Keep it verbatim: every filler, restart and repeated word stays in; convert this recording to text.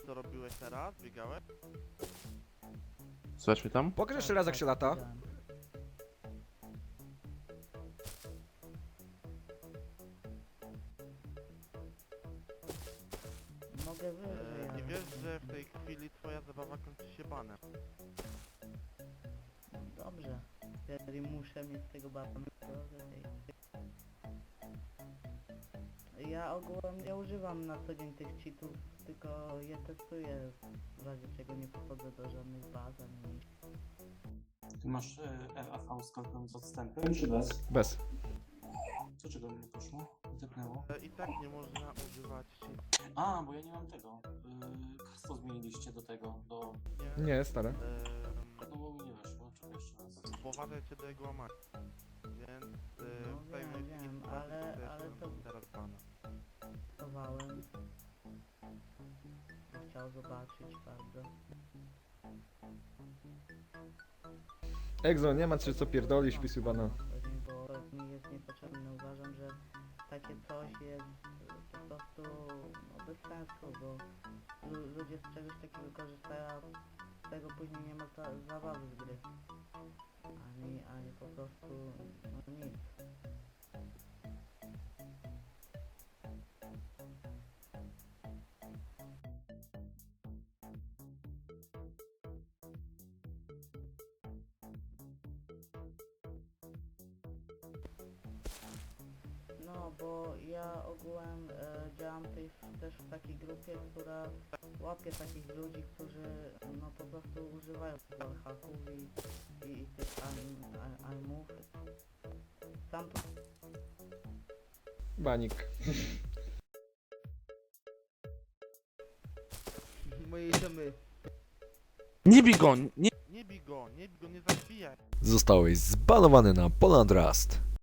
co robiłeś teraz? Biegałeś? Słychać mnie tam? Pokaż jeszcze raz jak się lata. Mogę wyżej, E, I ale... wiesz, że w tej chwili twoja zabawa kończy się banem. Dobrze. Jeżeli muszę mieć z tego bana, to okej. Ja ogółem nie używam na co dzień tych cheatów, tylko je testuję, w razie czego nie pochodzę do żadnych baz ani... Ty masz e, R A V z każdym z odstępem, czy bez? Bez. Dlaczego mi nie poszło? Zepnęło. E, I tak nie można używać cheat. A, bo ja nie mam tego. Yy, hasło zmieniliście do tego, do... Nie. Nie, stare. Em, No bo mi nie weszło, czekaj jeszcze raz. Poważę cię do jego łamania. Więc e, No w tej wiem, mojej wiem, sytuacji ale- też ale mam to- teraz bana. Testowałem. Chciał zobaczyć bardzo. Egzo, nie ma czy co pierdolisz, wpisuj bana. Pewnie, bo to mi jest niepotrzebne. Uważam, że takie coś jest e, po prostu no, bez sensu, bo lu- ludzie z czegoś takiego korzystają, a z tego później nie ma za zabawy z gry. Ani, ani po prostu no nic. No, bo ja ogółem e, działam tej, też w takiej grupie, która łapie takich ludzi, którzy no po prostu używają wallhacków i, i, i tych aim, a- aimów. Sam to Banik. moi domy. Nie bij go! Nie... Nie bij go, nie bij go, nie zabijaj. Zostałeś zbanowany na Poland Rust.